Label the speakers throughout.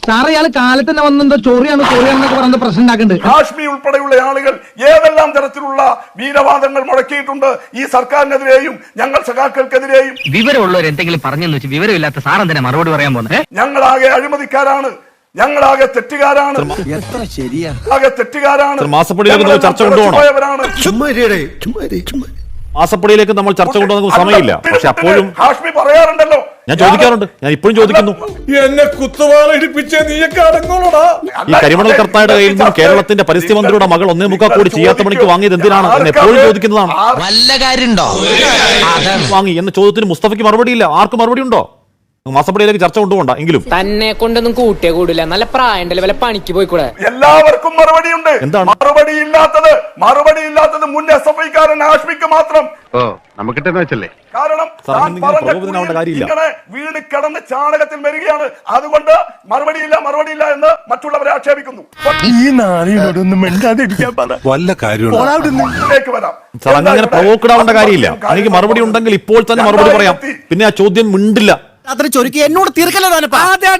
Speaker 1: സാറേ ഇയാൾ കാലത്ത് തന്നെ വന്നെന്തോ ചോറിയാണെന്നൊക്കെ പറഞ്ഞ പ്രശ്നം ഉണ്ടാക്കുന്നുണ്ട്.
Speaker 2: ഹാഷ്മി ഉൾപ്പെടെയുള്ള ആളുകൾ ഏതെല്ലാം തരത്തിലുള്ള വീരവാദങ്ങൾ മുടക്കിയിട്ടുണ്ട് ഈ സർക്കാരിനെതിരെയും ഞങ്ങൾ സഖാക്കൾക്കെതിരെയും.
Speaker 3: വിവരമുള്ളവർ എന്തെങ്കിലും പറഞ്ഞെന്ന് വെച്ച് വിവരമില്ലാത്ത സാറൻ തന്നെ മറുപടി പറയാൻ പോകുന്നത്.
Speaker 2: ഞങ്ങളാകെ അഴിമതിക്കാരാണ്, ഞങ്ങളാകെ തെറ്റുകാരാണ്, ആകെ തെറ്റുകാരാണ്.
Speaker 4: മാസപ്പടിയിലേക്ക് ചർച്ച കൊണ്ടുപോകണം. മാസപ്പടിയിലേക്ക് നമ്മൾ ചർച്ച കൊണ്ടുപോകുന്ന സമയമില്ല. പക്ഷെ അപ്പോഴും
Speaker 2: ഹാഷ്മി പറയാറുണ്ടല്ലോ,
Speaker 4: ഞാൻ ചോദിക്കാറുണ്ട്, ഞാൻ ഇപ്പോഴും ചോദിക്കുന്നു,
Speaker 5: എന്നെ കുത്തുവാള ഇടിപ്പിച്ച നീയൊക്കെ അടങ്ങോളടാ.
Speaker 4: ഈ കരിമണൽ കർത്തായുടെ കയ്യിൽ നിന്നും കേരളത്തിന്റെ പരിസ്ഥിതി മന്ത്രിയുടെ മകൾ 1.25 കോടി ചെയ്യാത്ത പണിക്ക് വാങ്ങിയത് എന്തിനാണ് എന്ന് എപ്പോഴും ചോദിക്കുന്നതാണ്.
Speaker 6: വല്ല കാര്യണ്ടോ
Speaker 4: വാങ്ങി എന്ന ചോദ്യത്തിന് മുസ്തഫയ്ക്ക് മറുപടിയില്ല. ആർക്കും മറുപടി ഉണ്ടോ? മാസപ്പടിയിലേക്ക് ചർച്ച കൊണ്ടുപോകണ്ട. എങ്കിലും
Speaker 7: തന്നെ കൊണ്ടൊന്നും കൂട്ടിയേ കൂടില്ല, നല്ല പ്രായണ്ടല്ലേ, വല്ല പണിക്ക് പോയിക്കൂടെ?
Speaker 2: എല്ലാവർക്കും മറുപടിയുണ്ട്.
Speaker 4: എന്താണ്
Speaker 2: മറുപടിയില്ലാത്തത് മുൻ SFI-കാരൻ ഹാഷ്മിക്ക് മാത്രം. കാരണം ഇങ്ങനെ വീട് കിടന്ന് ചാണകത്തിൽ വരികയാണ്, അതുകൊണ്ട് മറുപടിയില്ല എന്ന് മറ്റുള്ളവരെ ആക്ഷേപിക്കുന്നു.
Speaker 5: ഈ നാളിനോടൊന്നും മിണ്ടാതിരിക്കാൻ പറ. വല്ല കാര്യമുണ്ട്
Speaker 2: വരാം.
Speaker 4: സാർ അങ്ങനെ പ്രവോക്കഡ് ആവേണ്ട കാര്യമില്ല. എനിക്ക് മറുപടി ഉണ്ടെങ്കിൽ ഇപ്പോൾ തന്നെ മറുപടി പറയാം. പിന്നെ ആ ചോദ്യം മിണ്ടില്ല.
Speaker 6: അത്ര ചൊരുക്കി എന്നോട് തീർക്കല്ലോനപ്പാ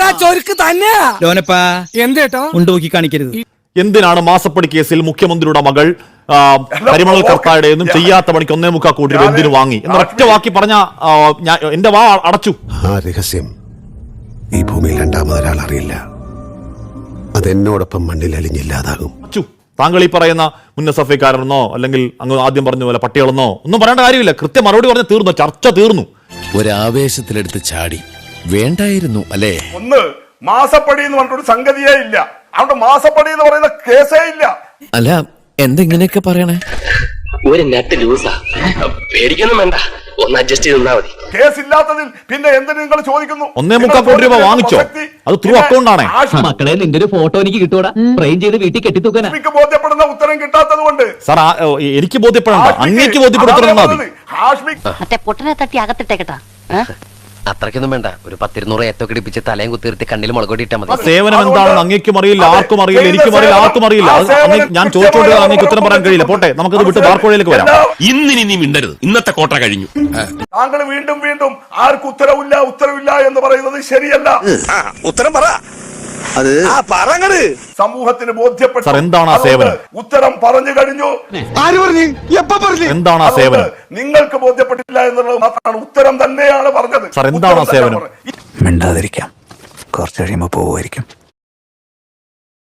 Speaker 7: എന്തേട്ടോ
Speaker 6: ഉണ്ടോക്കി കാണിക്കരുത്.
Speaker 4: എന്തിനാണ് മാസപ്പടി കേസിൽ മുഖ്യമന്ത്രിയുടെ മകൾ കരിമണൽ കർത്തായുടെ ഒന്നും ചെയ്യാത്ത പണിക്ക് 1.25 കോടി രൂപ എന്തിനു വാങ്ങി എന്ന ഒറ്റ വാക്കി പറഞ്ഞ എന്റെ വാ അടച്ചു.
Speaker 8: ആ രഹസ്യം ഈ ഭൂമിയിൽ രണ്ടാമതൊരാൾ അറിയില്ല. അതെന്നോടൊപ്പം മണ്ണിൽ അലിഞ്ഞില്ലാതാകും.
Speaker 4: താങ്കൾ ഈ പറയുന്ന മുൻ SFI-കാരനെന്നോ അല്ലെങ്കിൽ അങ്ങ് ആദ്യം പറഞ്ഞ പോലെ പട്ടികളെന്നോ ഒന്നും പറയേണ്ട കാര്യമില്ല. കൃത്യം മറുപടി പറഞ്ഞ് തീർന്നു, ചർച്ച തീർന്നു.
Speaker 6: ഒരാവേശത്തിലെടുത്ത് ചാടി വേണ്ടായിരുന്നു അല്ലേ?
Speaker 2: ഒന്ന് മാസപ്പടി എന്ന് പറഞ്ഞൊരു സംഗതിയേ ഇല്ല. അവിടെ മാസപ്പടി എന്ന് പറയുന്ന കേസേ ഇല്ല.
Speaker 6: അല്ല എന്തെങ്ങനെയൊക്കെ പറയണേ?
Speaker 3: ഒരു നെറ്റ് ലൂസാ, പേടിക്കൊന്നും വേണ്ട, ഒന്ന് അഡ്ജസ്റ്റ് ചെയ്ത് നിന്നാ മതി.
Speaker 2: കേസില്ലാത്തതിൽ പിന്നെ എന്തിനു നിങ്ങൾ ചോദിക്കുന്നു?
Speaker 4: 1.25 കോടി രൂപ വാങ്ങിച്ചോ? അത് ത്രൂ അക്കൗണ്ട് ആണ്.
Speaker 3: മക്കളെ നിന്റെ ഒരു ഫോട്ടോ എനിക്ക് കിട്ടൂടാ, ഫ്രെയിം ചെയ്ത് വീട്ടിൽ കെട്ടിത്തൂക്കാനാ.
Speaker 2: ബോധ്യപ്പെടുന്ന ഉത്തരം കിട്ടാത്തത് കൊണ്ട്
Speaker 4: സാർ എനിക്ക് ബോധ്യപ്പെടണ്ട, അങ്ങേക്ക് ബോധ്യപ്പെടുത്തണം.
Speaker 9: മറ്റേ പൊട്ടനെ തട്ടി അകത്തിട്ടേക്കട്ടാ.
Speaker 3: അത്രയ്ക്കൊന്നും വേണ്ട, ഒരു 10-200 ഏത്തൊക്കെ ഇടിപ്പിച്ച് തലയും കുത്തിർത്തി കണ്ണിൽ മുളകൊടി ഇട്ടാ മതി.
Speaker 4: സേവനം എന്താണെന്ന് അങ്ങേക്കും അറിയില്ല, ആർക്കും അറിയില്ല, എനിക്കും അറിയില്ല, ആർക്കും അറിയില്ല. ഞാൻ ചോദിച്ചോണ്ട് അങ്ങേക്ക് ഉത്തരം പറയാൻ കഴിയില്ല. പോട്ടെ, നമുക്കത് വിട്ട് ബാർക്കോഴയിലേക്ക് വരാം.
Speaker 5: ഇന്നിനി നീ മിണ്ടരുത്, ഇന്നത്തെ കോട്ട കഴിഞ്ഞു.
Speaker 2: താങ്കൾ വീണ്ടും ആർക്കും ഉത്തരവില്ല എന്ന് പറയുന്നത് ശരിയല്ല.
Speaker 5: ഉത്തരം പറ.
Speaker 2: സമൂഹത്തിന് ബോധ്യപ്പെട്ട
Speaker 4: എന്താണ് ആ സേവനം?
Speaker 2: ഉത്തരം പറഞ്ഞു കഴിഞ്ഞു.
Speaker 4: എന്താണ് ആ സേവനം?
Speaker 2: നിങ്ങൾക്ക് ബോധ്യപ്പെട്ടില്ല എന്നുള്ളത് മാത്രമാണ്. ഉത്തരം തന്നെയാണ് പറഞ്ഞത്.
Speaker 4: സാർ എന്താണ് ആ സേവനം?
Speaker 8: മിണ്ടാതിരിക്കാം, കുറച്ച് കഴിയുമ്പോ പോവുമായിരിക്കും.